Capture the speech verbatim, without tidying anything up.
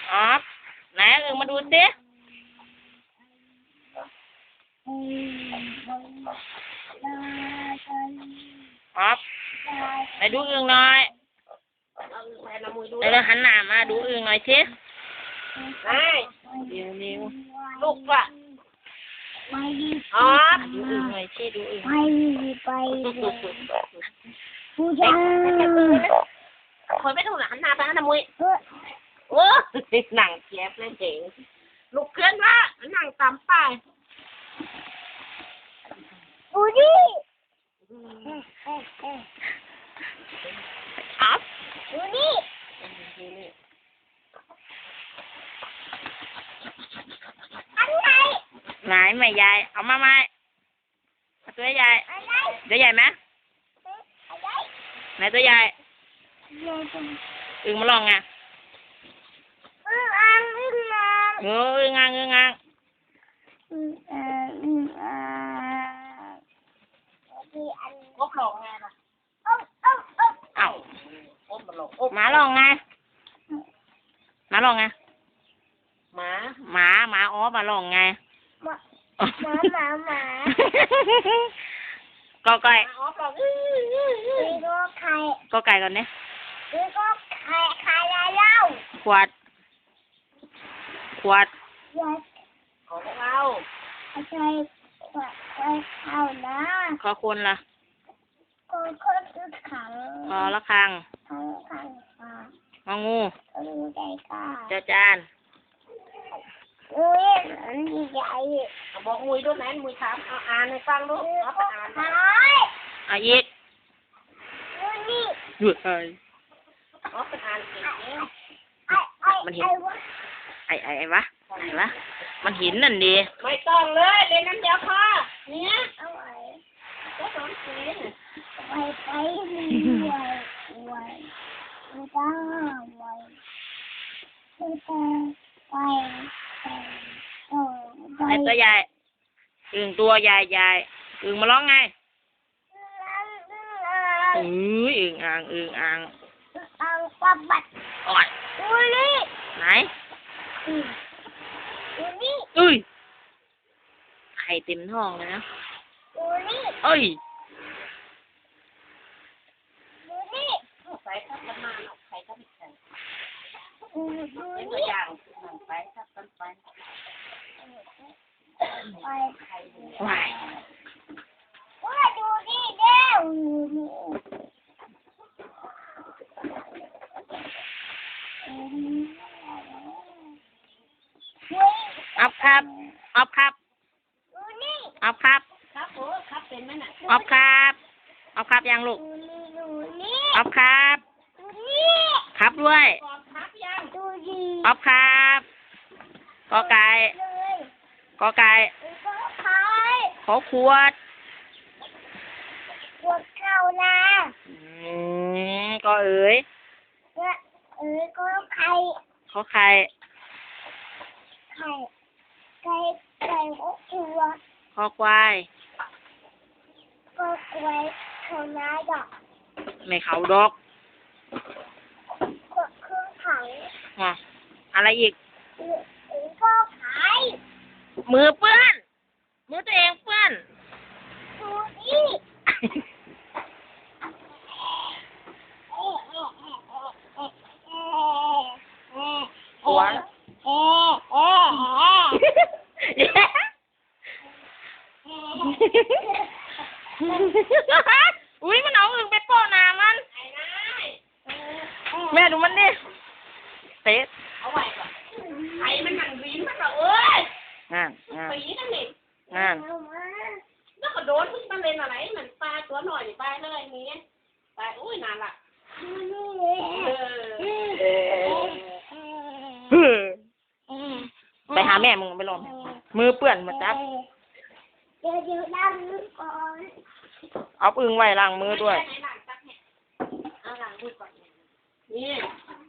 ออฟไหนอึ่งมาดูสิออฟไหนดูอึ่งหน่อยเดี๋ยวหันหน้ามาดูอึ่งหน่อยสิเดี๋ยวนิ้วลูกว่ะออฟดูอึ่งหน่อยสิดูอึ่งไปไปผู้ชายคนไม่ถูกหลานนาไปนะมุ้ยโอ้หนังเจ็บเลยเจ๋งลูกเคลื่อนว่าหนังตำไปดูดิอัพดูดิอันไหนไหนไม่ใหญ่เอามาไหมตัวใหญ่ตัวใหญ่ไหมไหนตัวใหญ่อึ่งมาลองไงอึ่งอ่างอึ่งอ่างเอออึ่งอ่างอึ่งอ่างอึ่งอ่างอึ่งอ่างกบหลงไงล่ะเอ้าเอ้าเอ้าเอ้ากบมาหลงหมาลองไงหมาลองไงหมาหมาหมาอ๋อมาลองไงหมาหมาหมาหมาก็ไก่ก็ไข่ก็ไก่ก่อนเนี่ยก็ไข่ไข่อะไรเล่าขวดขวดขวดของเราใช่ขวดไว้ข้าวนะขอคนล่ะคนคนคือขังขอละคังขังขังงองูงูใจกล้าเจ้าจานงูอันใหญ่บอกมุยด้วยนะมุยถามเอาอ่านให้ฟังดูเอาไปอ่านอ่ะอีกงูนี่หยุดเลยเอาไปอ่านเก่งมันเห็นไอ้ไอ้ไอ้วะไอ้วะมันเห็นนั่นดีไม่ต้องเลยเล่นน้ำเดียวพอเนี่ยเอาไว้ก็สอนเสียไปไปไว้ไว้ไม่ต้องไว้ไม่ต้องไปไอ้ตัวใหญ่อึ่งตัวใหญ่ใหญ่อึ่งมาร้องไงอืออึ่งอ่างอึ่งอ่างอ่างปลาบัดอ่อยอุ้ยนี่ไหนอุ้ยนี่อุ้ยไข่เต็มท้องเลยนะอุ้ยนี่เอ้ยอุ้ยนี่ใส่ทับกันมาหรอกไข่ทับอีกไข่เป็นตัวอย่างไปทับกันไปไปไปว่าดูดิเด้ออัพครับอัพครับอัพครับครับโอ้ครับเป็นไหมน่ะอัพครับอัพครับยังลูกอัพครับครับด้วยอัพครับกอไก่กอไก่ขอขวดขวดเข้านะอืมก็เอ๋ยเอ๋ยก็ไข่ขอไข่ไข่ไก่ไก่ขอขวดขอควายก็ควายเขาน้าดอกไม่เขาดอกก็เครื่องไข่อ่ะอะไรอีกก็ไข่มือเปื้อนมือตัวเองเปื้อนดูดิหัวอุ้ยมันเอาอึ่งไปโปะน้ำมันแม่ดูมันดิเตะเอาไว้ก่อนไอ้มันหนังวีนมันเหรอเอ้ยงานงานปีนั่นเองงานแล้วก็โดนทุกมันเล่นอะไรมันปลาตัวหน่อยปลาเลยนี้ปลาอุ้ยนานละไปหาแม่มึงไปลองมือเปื้อนมาจับเดี๋ยวเดี๋ยวล้างมือก่อนเอาอึ่งไว้ล้างมือด้วยเอาล้างมือก่อนนี่